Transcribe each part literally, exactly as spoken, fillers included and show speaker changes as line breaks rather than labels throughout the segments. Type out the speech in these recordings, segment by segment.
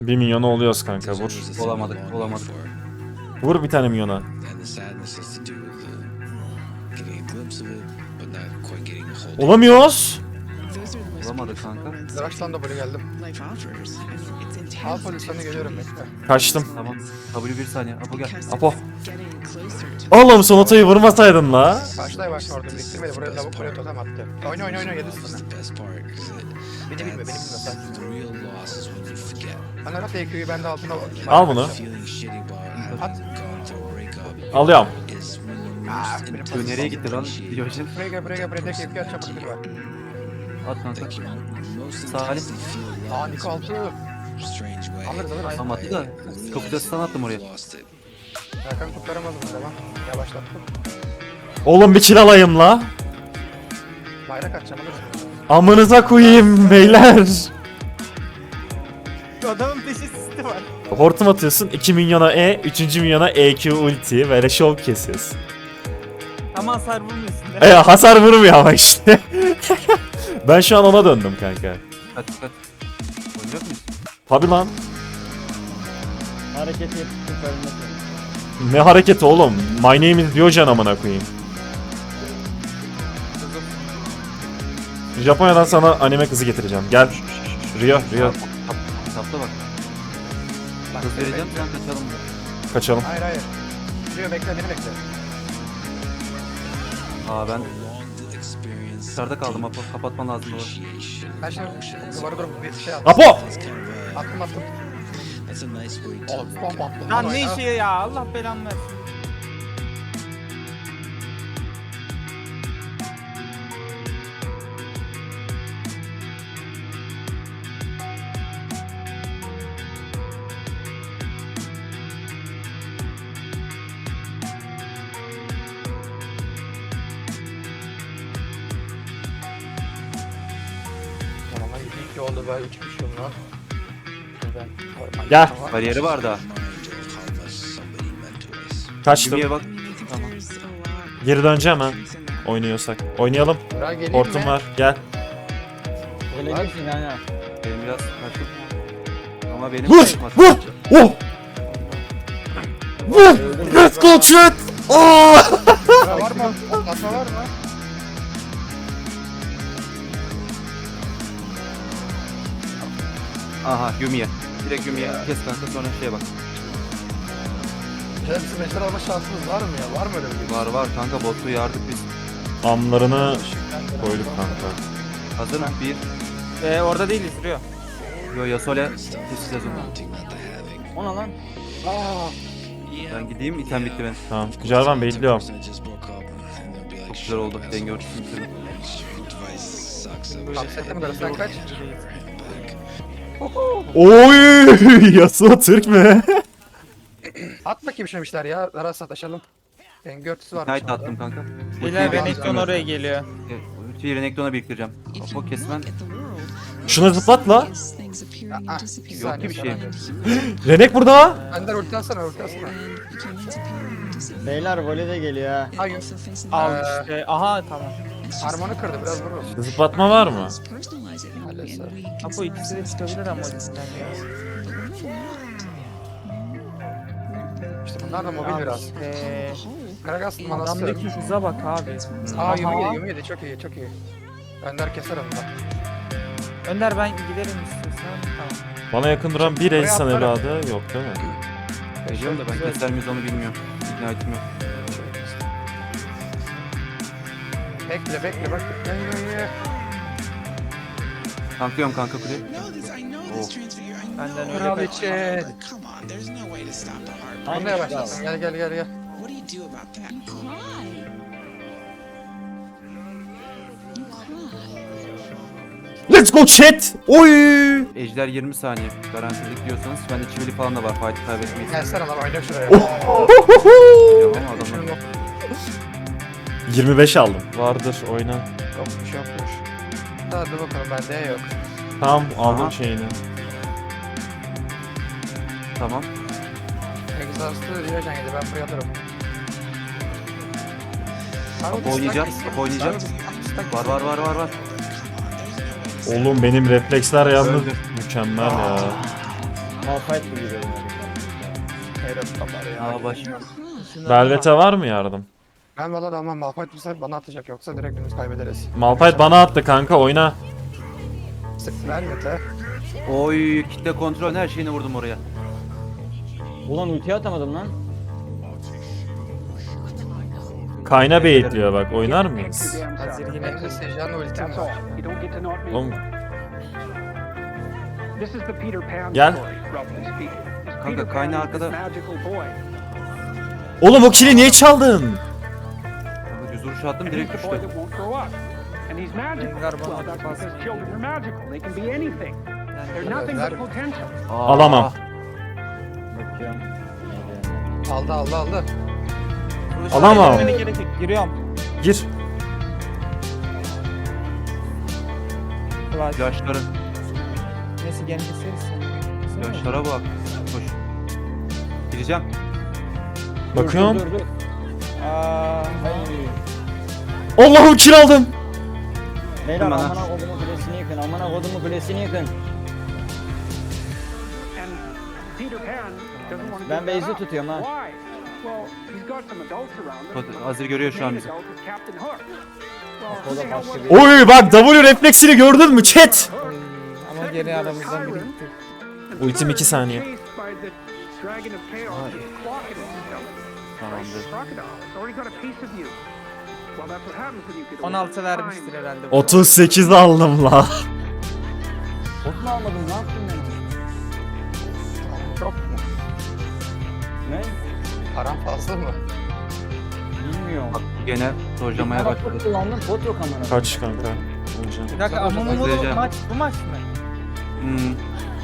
Bir milyona oluyoruz kanka, vur.
Olamadık, olamadık.
Vur bir tane milyona. Olamıyoruz.
Olamadık kanka.
Yavaştan da böyle geldim. Al pozisyonu geliyorum bekle.
Kaçtım.
Tamam. W bir saniye. Apo gel.
Apo. Oğlum sonatayı vurmasaydın la.
Karşıday başla orada biriktirmedi. Buraya lavuk buraya totem attı. Oyna oyna oyna yedi sana. Beni bilme beni bilme sen. Ben Arap E Q'yu ben de altına
Al bunu.
At.
Alıyorum.
Aa, benim
Bu
pozisyonum.
nereye gitti lan? Diyojen.
Buraya gel buraya gel buraya tek E Q at çabuk bir var.
At kanka. Salih.
Aa Niko altı. Alırız alırız.
Tam attı da. Kapıda stun attım oraya.
Erkan kurtaramadım tamam. Yavaşlattım.
Oğlum bir kill alayım la.
Bayrak atacağım alırız.
Amınıza koyayım beyler.
Adamın teşhisi var.
Hortum atıyorsun, iki milyona E, üçüncü milyona E Q ulti ve şov kesiyorsun.
Ama hasar vurmuyorsun.
E hasar vurmuyor ama işte. Ben şu an ona döndüm kanka.
Dikkat dikkat. Oynayacak mıyız?
Tabi lan.
Hareket yapıp ölmesi.
Ne hareketi oğlum? My name is Diyojen amına koyayım. Japonya'dan sana anime kızı getireceğim. Gel. Rio, Rio.
Kitapta bak.
Bak,
Kız vereceğim
bekle.
sen kaçalım.
Kaçalım.
Hayır hayır. Duruyor bekle beni bekle.
Aa ben dışarıda kaldım Apo. Kapatman lazım olur.
Ben şimdi duvara durup bir şey attım.
Apo!
Attım attım. Oğlum bomba attım.
Lan
Ama
ne
ya.
işi ya Allah belanı versin.
Tamam hadi iki iki oldu ben üç kişi lan. Şuradan koyma.
Gel.
Tamam.
Bariyeri var da.
Kaçtım.
Yumi'ye bak. Tamam.
Geri döneceğim ha. Oynuyorsak. Oynayalım.
Buraya geleyim
Hortum
mi?
var. Gel.
Öleceksin yani.
Benim biraz kaçtım. Ama benim
Vur!
kaçmaz.
Vur! Oh! Vur! Let's go chat! Oh!
Buraya var mı? Atma var mı?
Aha Yumi'ye. Direkt Yumi'ye kes kanka sonra şeye bak.
Hepsi meşler alma şansımız var mı ya? Var mı öyle bir şey?
Var var kanka botu yardık biz.
Amlarını koyduk kanka.
Hazır mı? Bir.
Ee, orada değiliz duruyor.
Yo Yasole. Keseceğiz onu.
Ona lan.
Aa,
Ben gideyim item bitti benim.
Tamam. Jarvan bekliyorum.
Çok güzel oldu. Denge örtüsünü bitirdim.
Upset'e mi sen kaç?
Oy! Yasuo Türk mü?
At bakayım şunu işler ya. Ara sataşalım. Denge örtüsü var.
Knight attım kanka.
Beyler
ben-
Renekton oraya geliyor.
Ultiyi Renekton'a biriktireceğim. Apo kesmen.
Şuna zıplat la.
Yok ki bir şey.
Renek burada.
Ender ulti atsana ulti atsana.
Beyler voley de geliyor ha.
Hayır.
Al
Ee,
işte. Aha tamam.
Harmonu kırdı biraz vururuz.
Zıplatma var mı?
Maalesef.
Apo ikisi de çıkabilir ama ultisinden ya.
İşte bunlar da mobil biraz.
Eee
Karagas manası.
adamdaki hıza bak abi.
Aa Yumi
Aha.
yedi Yumi yedi çok iyi çok iyi. Ender keser onu da.
Önder ben giderim istiyorsan. Tamam.
Bana yakın duran bir
Buraya
insan
atlarım.
evladı yok değil mi?
Biliyorum da ben keser miyiz onu bilmiyorum. Ignite'im yok.
Bekle bekle bak. Gel gel gel.
Tanklıyorum kanka kuleyi. Oh.
Benden öyle
Kral
kaç.
için. Onu da yavaşlasın gel gel gel gel.
Let's go chat! Oy!
Ejder yirmi saniye. Garantilik diyorsanız bende çivili falan da var. Fight'ı kaybetmeyiz.
Gelsene lan oyna şuraya.
Biliyorum ama adamlar.
yirmi beş aldım. Vardır oyna.
Yokmuş yokmuş. Hadi bakalım bende yok.
Tamam aldım
Aha.
şeyini.
Tamam.
Exhaust'u Diyojen yedi ben buraya alırım.
Apo oynayacağız. Apo oynayacağız. Var var var var var.
Oğlum benim refleksler yalnız
Öldür.
mükemmel ya.
Malphite gibi geliyor.
Hayret kapar ya.
Aa baş.
Velvet'e var mı yardım?
Ben valla da ama Malphite bu sefer bana atacak yoksa direkt biz kaybederiz.
Malphite bana attı kanka, oyna.
Velvet'e.
Oy kitle kontrol her şeyini vurdum oraya.
Ulan ultiyi atamadım lan.
Kayna baitliyor bak, oynar mıyız?
Hazır yine.
Benim de Sejan'la ultim var.
Gel.
Kanka kaynağı arkada.
Oğlum o kili niye çaldın?
Kanka düz vuruş attım direkt düştü.
Rengar bana da bas.
Aa,
Alamam.
Bakıyorum.
Aldı aldı aldı.
Alamam.
Girmene gerek yok. Giriyorum.
Gir.
Flash.
Yaşları.
Neyse gene keseriz.
Yaşlara bak. Koş. Gireceğim.
Bakıyorum.
Dur dur dur.
Aa,
Ay.
Allah'ım kill aldım.
Beyler
Bana.
amına kodumu kulesini yıkın. Amına kodumu kulesini yıkın. Ben base'i tutuyorum ha.
Azir görüyor şu an bizi.
O da başka bir.
Oy bak W refleksini gördün mü chat?
oy. Ama geri aramızdan biri gitti.
Ultim iki saniye.
Tamamdır.
on altı vermiştir herhalde. bu.
otuz sekiz aldım la.
Bot mu almadın? Ne yaptın ben?
Çok mu?
Ne?
Param fazla mı?
Bilmiyorum.
Bak gene dojlamaya
Bak,
başladı.
bot kullandım. Bot yok amına.
Kaç kanka? Öleceğim.
Bir dakika ama bu
Özleyeceğim.
maç bu maç mı?
Hmm.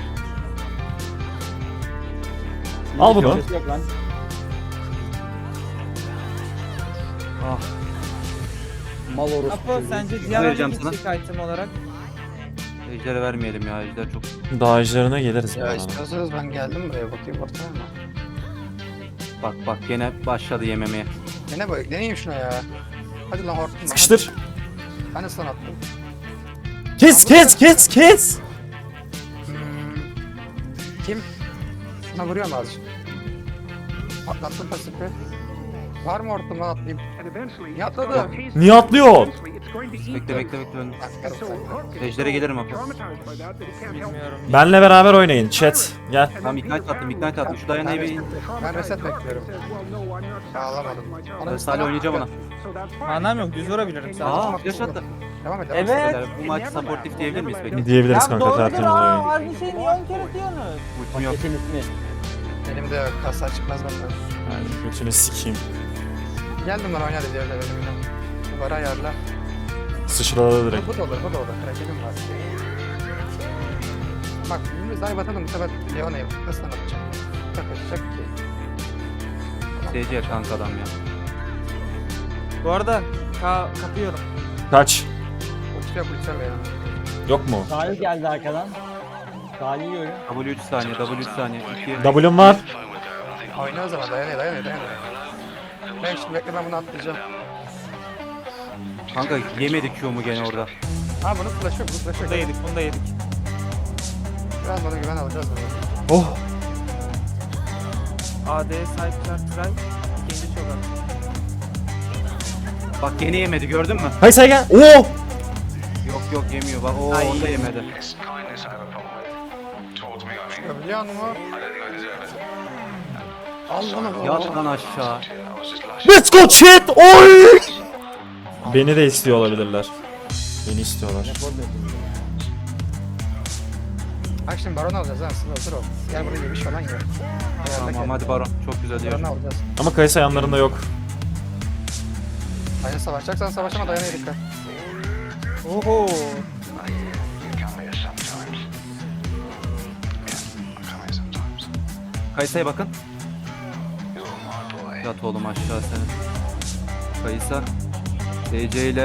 Al bunu.
Ses yok lan.
Ah.
Mal orospu.
Apo
çocuğu.
sence Diana
Vereceğim
ne gidecek item olarak?
Ejder'e vermeyelim ya. Ejder çok.
Daha ejderine geliriz bu
Ya
arada.
istiyorsanız ben geldim buraya bakayım ortaya mı?
Bak bak gene başladı yememeye.
Yine böyle deneyeyim şuna ya. Hadi lan hortum lan.
Sıkıştır.
Ben de sana attım.
Kes kes kes kes.
Hmm. Kim? Şuna vuruyorum azıcık. Patlattım pasifi. Var mı hortum lan atlayayım? Niye atladı?
Niye atlıyor?
Bekle bekle bekle. önde.
Bakarım sen.
Ejder'e gelirim abi.
Bilmiyorum.
Benle beraber oynayın chat. Gel.
Tamam ignite attım ignite attım. Şu dayanayı bir...
Ben reset bekliyorum. Ağlamadım.
Ben Salih oynayacağım ona.
Manam yok düz vurabilirim sadece.
Aa flash attı.
Devam et.
Evet.
Beyler, bu maç supportif diyebilir miyiz peki?
Diyebiliriz kanka, tertemiz oyun.
Aynı şey niye on kere diyorsunuz?
Ultim yok.
Kesin ismi.
Benim de kasa çıkmaz benden.
Yani götünü sikeyim.
Geldim ben oynadı diğerler elimden. Duvara ayarla.
Sıçradı direkt.
Bu da olur, bu da olur. Krakenim var. Bak, biz daha batalım bu sefer Leona'yı nasıl anlatacağım? Takacak ki.
S C kanka adam ya.
Bu arada ka kapıyorum.
Kaç.
Uçacak uçacak Leona.
Yok mu?
Salih geldi arkadan. Salih yiyorum.
W üç saniye, W üç saniye. iki.
W'm var.
Oyna o zaman dayanıyor dayanıyor dayanıyor. Ben şimdi bekle ben bunu atlayacağım.
Kanka yemedi Q'mu gene orada.
Ha bunu flash yok, bu flash
Bunu
yok.
da yedik bunu da yedik.
Biraz bana güven alacağız bunu.
Oh.
A D sahipler try. İkinci çok az.
Bak gene yemedi gördün mü?
Hay sen gel. Oo.
Yok yok yemiyor bak o
Ay.
onda yemedi.
Biliyor musun? Al bunu.
Yat lan aşağı.
Let's go chat. Oy. Beni de istiyor olabilirler. Beni istiyorlar.
Bak şimdi baron alacağız ha, sıra hazır ol. Gel buraya yemiş falan gel.
Tamam hadi Baron çok güzel diyor.
Baron alacağız.
Ama Kayısı yanlarında yok.
Aynen savaşacaksan savaşama dayanıyor dikkat.
Oho.
Kayısa'ya bakın. Yat oğlum aşağı senin. Kayısa. D C ile